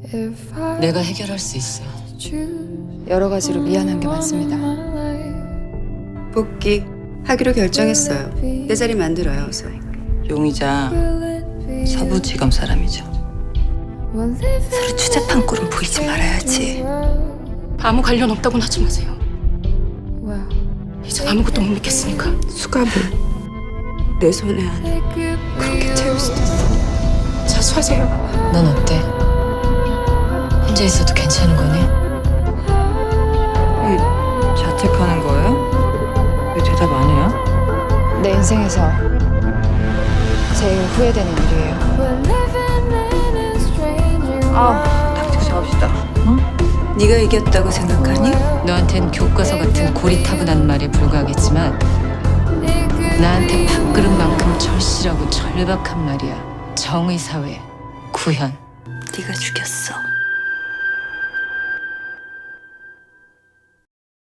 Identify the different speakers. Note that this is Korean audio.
Speaker 1: 내가 해결할 수 있어.
Speaker 2: 여러 가지로 미안한 게 많습니다.
Speaker 3: 복귀 하기로 결정했어요. 내 자리 만들어요, 어서.
Speaker 1: 용의자 서부지검 사람이죠.
Speaker 3: 서로 추잡한 꼴은 보이지 말아야지.
Speaker 4: 아무 관련 없다고는 하지 마세요. 이제 아무것도 못 믿겠으니까.
Speaker 3: 수갑을 내 손에 안에 그렇게 채울 수도 있어.
Speaker 4: 자수하세요.
Speaker 1: 넌 어때? 혼자 있어도 괜찮은 거니? 자책하는 거예요? 왜 대답 안 해요?
Speaker 2: 내 인생에서 제일 후회되는 일이에요.
Speaker 1: 닥치고 잡읍시다.
Speaker 3: 네가 이겼다고 생각하니?
Speaker 1: 너한텐 교과서 같은 고리타분한 말에 불과하겠지만 나한테 밥그릇만큼 절실하고 절박한 말이야. 정의사회, 구현.
Speaker 3: 네가 죽였어.